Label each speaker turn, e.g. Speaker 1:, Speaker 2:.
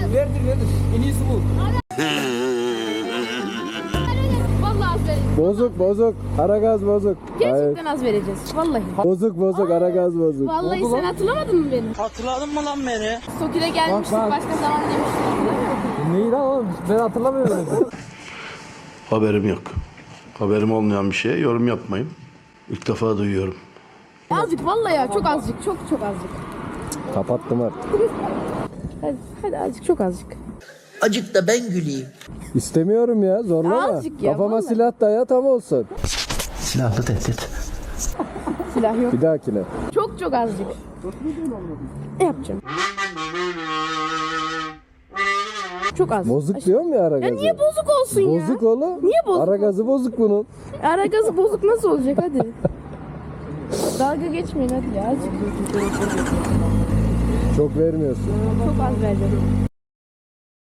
Speaker 1: Verdir. En iyisi bu.
Speaker 2: Vallahi az vereceğiz.
Speaker 3: Bozuk. Aragaz bozuk.
Speaker 2: Gerçekten az vereceğiz. Vallahi.
Speaker 3: Bozuk. Aragaz bozuk.
Speaker 2: Vallahi sen hatırlamadın mı beni?
Speaker 1: Hatırladın mı lan beni?
Speaker 2: Stokile gelmiştik
Speaker 3: Bak.
Speaker 2: başka zaman demiştik.
Speaker 3: Neyi lan oğlum? Ben hatırlamıyorum.
Speaker 4: Haberim yok. Haberim olmayan bir şeye yorum yapmayın. İlk defa duyuyorum.
Speaker 2: Azıcık vallahi ya çok azıcık çok azıcık.
Speaker 3: Kapattım artık.
Speaker 2: Hadi azıcık çok azıcık.
Speaker 1: Acık da ben güleyim.
Speaker 3: İstemiyorum ya, zorlama.
Speaker 2: Azıcık ya,
Speaker 3: Kafama
Speaker 2: vallahi.
Speaker 3: silah daya tam olsun.
Speaker 1: Silahlı tehdit.
Speaker 2: Silah yok.
Speaker 3: Bir dahakine.
Speaker 2: Çok azıcık. Ne yapacağım? Çok az.
Speaker 3: Bozuk diyorum ya Aragaz'ı.
Speaker 2: Ya niye bozuk olsun ya?
Speaker 3: Bozuk oğlum.
Speaker 2: Niye bozuk
Speaker 3: Aragazı bozuk bunun.
Speaker 2: Ara gazı bozuk nasıl olacak hadi. Dalga geçmeyin hadi ya azıcık.
Speaker 3: Çok vermiyorsun.
Speaker 2: Çok az vereceğim.